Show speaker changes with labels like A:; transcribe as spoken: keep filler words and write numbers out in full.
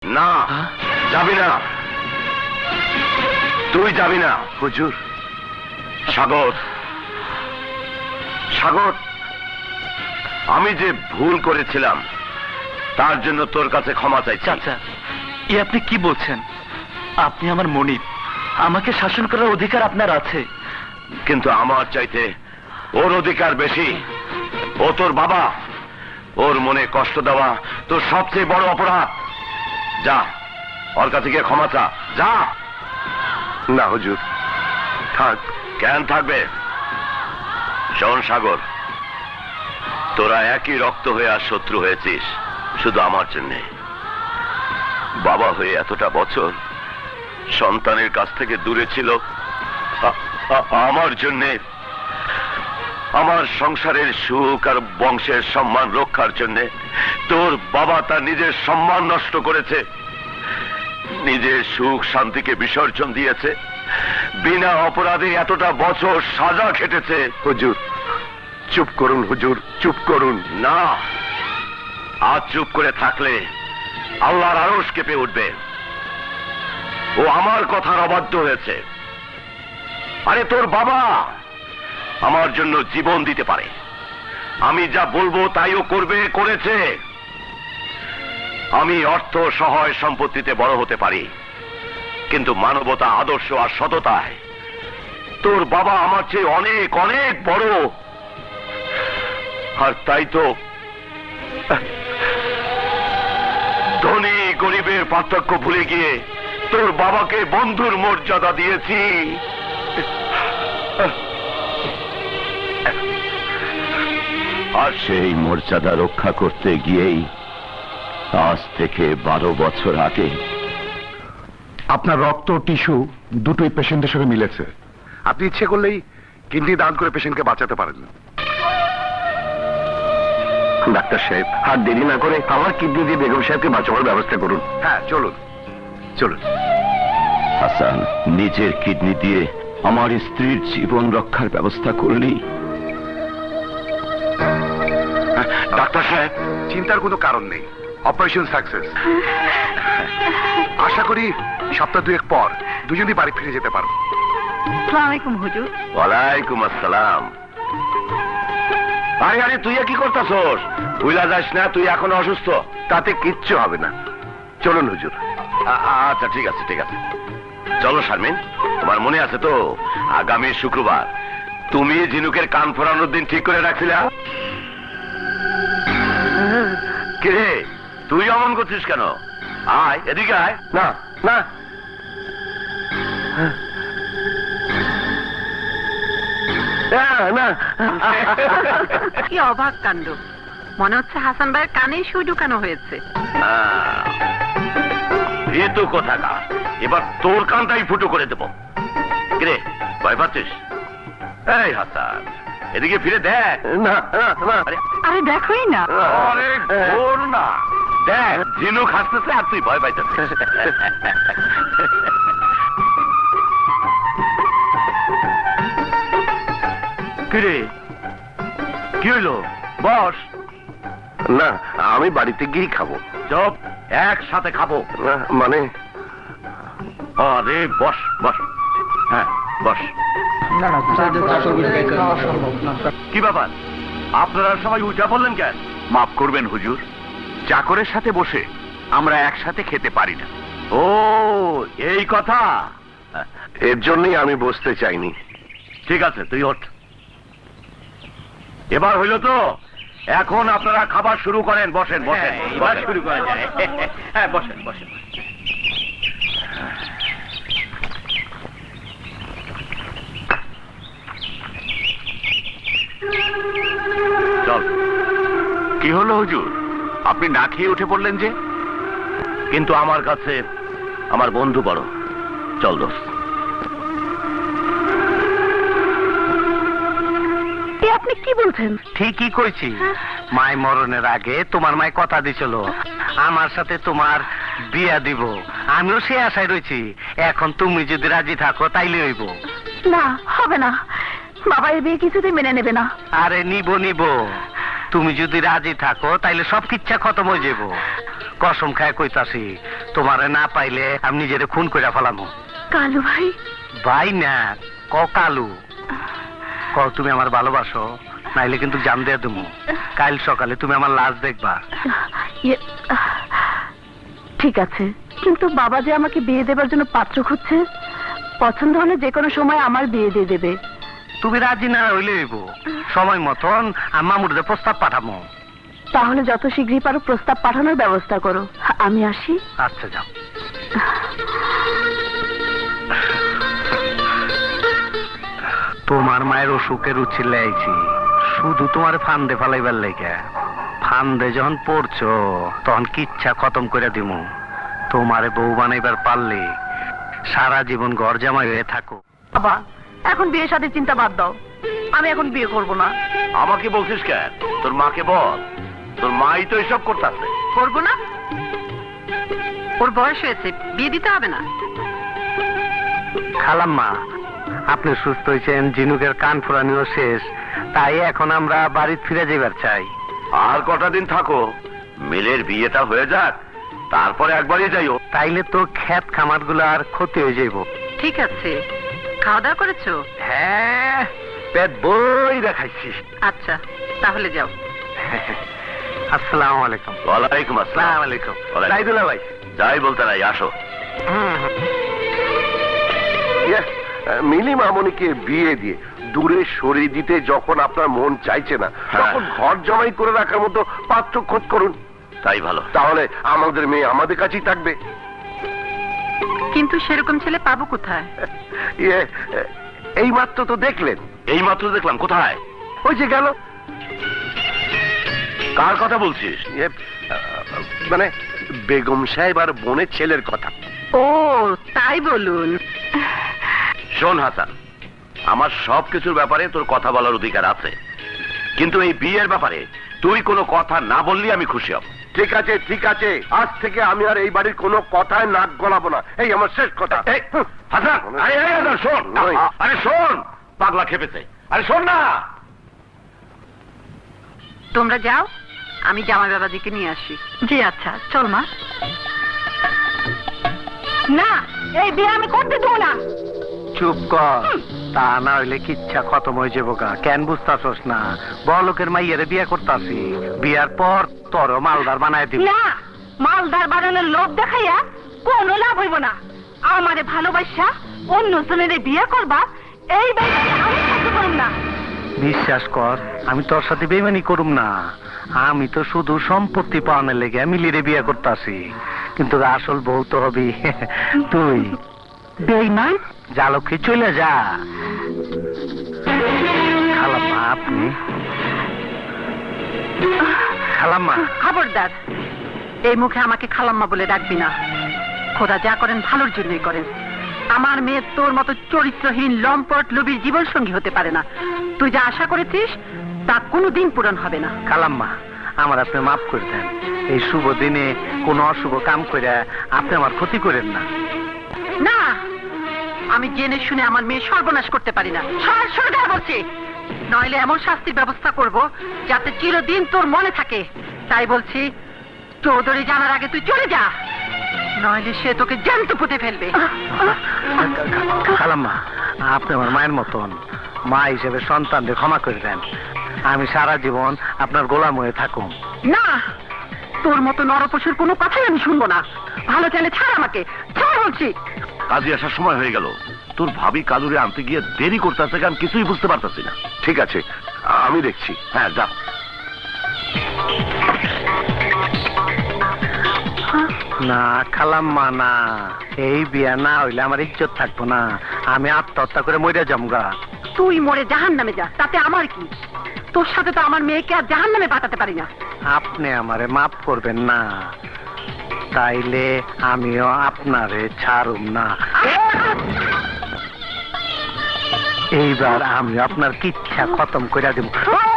A: না, যাবি না, তুই যাবি না।
B: হুজুর।
A: সাগর, সাগর, আমি যে ভুল করেছিলাম তার জন্য তোর কাছে ক্ষমা চাইছি।
C: চাচা, এ আপনি কি বলছেন? আপনি আমার মনিব, আমাকে শাসন করার অধিকার আপনার আছে।
A: কিন্তু আমার চাইতে ওর অধিকার বেশি। ও তোর বাবা, ওর মনে কষ্ট দেওয়া তোর সবচেয়ে বড় অপরাধ। যা, ওর কাছে গিয়ে ক্ষমা চা, যা।
B: না হুজুর, থাক।
A: কেন থাকবে? শোন সাগর, তোরা একই রক্ত হয়ে আর শত্রু হয়েছিস শুধু আমার জন্যে। বাবা হয়ে এতটা বছর সন্তানের কাছ থেকে দূরে ছিল আমার জন্যে, আমার সংসারের সুখ আর বংশের সম্মান রক্ষার জন্যে। তোর বাবা তার নিজের সম্মান নষ্ট করেছে, নিজের সুখ শান্তিকে বিসর্জন দিয়েছে, বিনা অপরাধে এতটা বছর সাজা খেটেছে।
B: হুজুর চুপ করুন, হুজুর চুপ করুন।
A: না, আজ চুপ করে থাকলে আল্লাহর আরশ কেঁপে উঠবে। ও আমার কথার অবাধ্য হয়েছে। আরে তোর বাবা আমার জন্য জীবন দিতে পারে, আমি যা বলবো তাইও করবে, করেছে। আমি অর্থ সহায় সম্পত্তিতে বড় হতে পারি, কিন্তু মানবতা, আদর্শ আর সততায় তোর বাবা আমার চেয়ে অনেক অনেক বড়। আর তাই তো ধনী গরিবের পার্থক্য ভুলে গিয়ে তোর বাবাকে বন্ধুর মর্যাদা দিয়েছি। আর সেই মর্যাদা রক্ষা করতে গিয়েই আজ থেকে বারো বছর আগে
B: আপনার রক্ত টিস্যু দুটোই পেশেন্টের সঙ্গে মিলেছে। আপনি ইচ্ছে করলেই কিডনি দান করে পেশেন্টকে বাঁচাতে পারেন।
A: ডাক্তার সাহেব, আর দেরি না করে আমার কিডনি দিয়ে বেগম সাহেবকে বাঁচানোর ব্যবস্থা করুন।
B: হ্যাঁ চলুন চলুন।
A: হাসান, নিজের কিডনি দিয়ে আমার স্ত্রীর জীবন রক্ষার ব্যবস্থা করলি।
B: ডাক্তার সাহেব, চিন্তার কোনো কারণ নেই, অপারেশন সাকসেস। আশা করি সপ্তাহ দুয়েক পর দুজনই বাড়ি ফিরে যেতে পারবো।
D: আসসালামু আলাইকুম হুজুর।
A: ওয়ালাইকুম আসসালাম। আরে আরে তুই কি করতেছস? ভুলা যাস না, তুই এখন অসুস্থ।
B: তাতে কিচ্ছু হবে না, চলুন হুজুর।
A: আচ্ছা ঠিক আছে ঠিক আছে, চলো শারমিন। তোমার মনে আছে তো আগামী শুক্রবার তুমি ঝিনুকের কান ফোরানোর দিন ঠিক করে রাখছিলে? কে তুই অমন করছিস কেন? আয় এদিকে আয়।
B: না না, না।
D: কি অবাক কাণ্ড, মনে হচ্ছে হাসান ভাইয়ের কানে সুই ঢুকানো হয়েছে।
A: এ তো কোথাকার, এবার তোর কানটাই ফুটো করে দেবো। কিরে, ভয় পাচ্ছিস? এই হাসান, এদিকে ফিরে দেখ।
B: না না,
D: আরে দেখোই না।
A: আরে ঘোর না, দেখ ঝিনুক হাসতেছে আর তুই ভয় পাইতেছিস। কিরে, কি হইলো? বস।
B: না, আমি বাড়িতে গিয়েই খাবো।
A: চপ, একসাথে খাবো।
B: না, মানে
A: আরে বস বস, হ্যাঁ বস। কি ব্যাপার, আপনারা সবাই উঠা বললেন কেন?
B: মাফ করবেন হুজুর, চাকরের সাথে বসে আমরা একসাথে খেতে পারি না।
A: ও এই কথা,
B: এর জন্যই আমি বসতে চাইনি।
A: ঠিক আছে তুই ওঠ। এবার হইল তো, এখন আপনারা খাবার শুরু করেন। বসেন বসেন, এবার শুরু করা যায়। হ্যাঁ বসেন বসেন। চল।
B: কি হলো হুজুর, আপনি না খেয়ে উঠে পড়লেন যে?
A: কিন্তু আমার কাছে আমার বন্ধু বড়। চল দোস্ত।
D: আপনি কি বলছেন?
C: ঠিকই কইছি। মাই মরণের আগে তোমার মাই কথা দিছিল আমার সাথে তোমার বিয়া দিব। আমিও সে আশায় রয়েছি। এখন তুমি যদি রাজি থাকো তাইলে হইব।
D: না, হবে না, বাবা এই বিয়ে কিছুতেই মেনে নেবে না।
C: আরে নিব নিব, তুমি যদি রাজি থাকো তাইলে সব কিচ্ছা খতম হয়ে যাব। কসম খায় কইতাছি তোমারে না পাইলে আমি নিজেরে খুন কইরা ফেলামু।
E: কালু ভাই,
C: ভাই না, ক কালু, ক তুমি আমার ভালোবাসো, নাইলে কিন্তু জান দিয়ে দেবো। কাল সকালে তুমি আমার লাশ দেখবা।
E: ইয়ে, ঠিক আছে, কিন্তু বাবা যে আমাকে বিয়ে দেবার জন্য পাত্র খুঁজছে, পছন্দ হলে যে কোনো সময় আমার বিয়ে দিয়ে দেবে।
C: তুমি রাজি না হইলে হইব, সময় মতন মামুরদের প্রস্তাব পাঠাবো।
E: তাহলে যত শীঘ্রই পারো প্রস্তাব পাঠানোর ব্যবস্থা করো। আমি আসি।
C: আচ্ছা যাও। তোমার মায়ের অসুখের উচ্ছিলে আইছি শুধু তোমার ফান্দে ফালাইবার লেগে। ফান্দে যখন পড়ছো তখন কিচ্ছা খতম করে দিমু। তোমারে বউ বানাইবার পারলে সারা জীবন ঘর জামাই হয়ে থাকো।
E: বাবা, এখন বিয়ের সাথে চিন্তা বাদ দাও, আমি এখন বিয়ে করব না।
A: আমাকে বলছিস কেন? তোর মাকে বল, তোর মাই তো এসব করতেছে।
D: করবো না? ওর বয়স হয়েছে, বিয়ে দিতে হবে না।
C: খালাম্মা, আপনি সুস্থ হয়েছেন, জিনুকের কান ফুরানিও শেষ, তাই এখন আমরা বাড়ি ফিরে যাবার চাই।
A: আর কটা দিন থাকো, মিলের বিয়েটা হয়ে যাক, তারপরে একবারই যাইও।
C: তাইলে তো ক্ষেত খামার গুলো আর ক্ষতি হয়ে যাইব।
D: ঠিক আছে, খাওয়া দাওয়া করেছো?
C: হ্যাঁ, পেট বই দেখাইছি।
D: আচ্ছা, তাহলে যাও।
C: আসসালামু আলাইকুম।
A: ওয়ালাইকুম আসসালাম।
C: আসসালামু আলাইকুম।
A: ওয়ালাইকুম।
C: সাইদুল্লাহ ভাই,
A: যাই বলতে নাই, আসো।
B: মিলি মামনিকে বিয়ে দিয়ে দূরে সরিয়ে দিতে যখন আপনার মন চাইছে না,
A: হ্যাঁ।
B: তখন ঘর জমাই করে রাখার মতো পাত্র খোঁজ করুন।
A: তাই ভালো।
B: তাহলে আমাদের মেয়ে আমাদের কাছেই থাকবে।
D: কিন্তু সেরকম ছেলে পাবো কোথায়?
B: ইয়ে, এই মাত্র তো দেখলেন।
A: এই মাত্র দেখলাম। কোথায়?
B: ওই যে গেল।
A: কার কথা বলছিস?
B: ইয়ে, মানে বেগম সাহেব আর বোনের ছেলের কথা।
D: ও তাই বলুন।
A: শোন হাসান, আমার সব কিছুর ব্যাপারে তোর কথা বলার অধিকার আছে, কিন্তু এই বিয়ের ব্যাপারে তুই কোনো কথা না বললি আমি খুশি হব।
B: ঠিক আছে, ঠিক আছে, আজ থেকে আমি আর এই বাড়ির কোনো কথায় নাক গলাবো না। এই আমার শেষ কথা।
A: এই, হাসান, আরে এই হাসান, শোন।
B: ওই।
A: আরে শোন, পাগলা খেপেছে। আরে শোন না।
D: তোমরা যাও, আমি জামাই বাবাজিকে নিয়ে আসি।
E: জি আচ্ছা, চল মা। না, এই বিয়ে আমি করতে দেবো না।
C: চুপ কর, তা না হইলে কিচ্ছা খতম হয়ে যাবো গা। কেন বুঝতাছস না? বড়লোকের মাইয়ারে বিয়ে করতাছি, বিয়ার পর তোর মালদার বানায় দিব।
E: না, মালদার বানানোর লোভ দেখাইয়া কোনো লাভ হইব না। আমারে ভালোবাসা অন্য জনের বিয়ে করবা, এই বাড়িতে আমি থাকতে পারব না।
C: বিশ্বাস কর, আমি তোর সাথে বেমানি করুম না। আমি তো শুধু সম্পত্তি পাওয়ানোর লেগে মিলিরে বিয়ে করতাছি, কিন্তু আসল বউ তো হবি তুই।
E: বেঈমান,
C: জালকে চলে যা। খালাম্মা, আপনি খালাম্মা।
D: খবরদার, এই মুখে আমাকে খালাম্মা বলে ডাকবি না। খোদা যা করেন ভালোর জন্যই করেন। আমার মেয়ে তোর মতো চরিত্রহীন লম্পট লোভীর জীবন সঙ্গী হতে পারে না। তুই যা আশা করেছিস তা কোনোদিন পূরণ হবে না।
C: খালাম্মা, আমার আপনি মাফ করে দেন। এই শুভ দিনে কোন অশুভ কাম করে আপনি আমার ক্ষতি করেন না।
D: না, আমি জেনে শুনে আমার মেয়ে সর্বনাশ করতে পারি না। সর সরে যা বলছি, নইলে এমন শাস্তির ব্যবস্থা করব যাতে চিরদিন তোর মনে থাকে। তাই বলছি, চৌধুরী জানার আগে তুই চলে যা, নইলে সে তোকে জ্যান্ত পুঁতে ফেলবে।
C: খালাম্মা, আপনি আমার মায়ের মতন, মা হিসেবে সন্তানদের ক্ষমা করে দেন। আমি সারা জীবন আপনার গোলাম হয়ে থাকুম।
D: না, তোর মতো নরপশুর কোনো কথাই আমি শুনবো না। ভালো চাইলে ছাড় আমাকে, ছাড় বলছি।
A: কাজে আসার সময় হয়ে গেল, তোর ভাবি কালুরে আনতে গিয়ে দেরি করতেছে, আমি কিছুই বুঝতে পারতেছি না।
B: ঠিক আছে, আমি দেখছি।
A: হ্যাঁ যা।
C: না খালাম্মা, না, এই বিয়া না হইলে আমার ইজ্জত থাকবো না। আমি আত্মহত্যা করে মরে যামগা।
D: তুই মরে জাহান নামে যা, তাতে আমার কি? তোর সাথে তো আমার মেয়েকে আর জাহান নামে পাঠাতে পারি না।
C: আপনি আমারে মাফ করবেন না, তাইলে আমিও আপনারে ছাড়ুম না। এইবার আমি আপনার কিচ্ছা খতম করে দিব।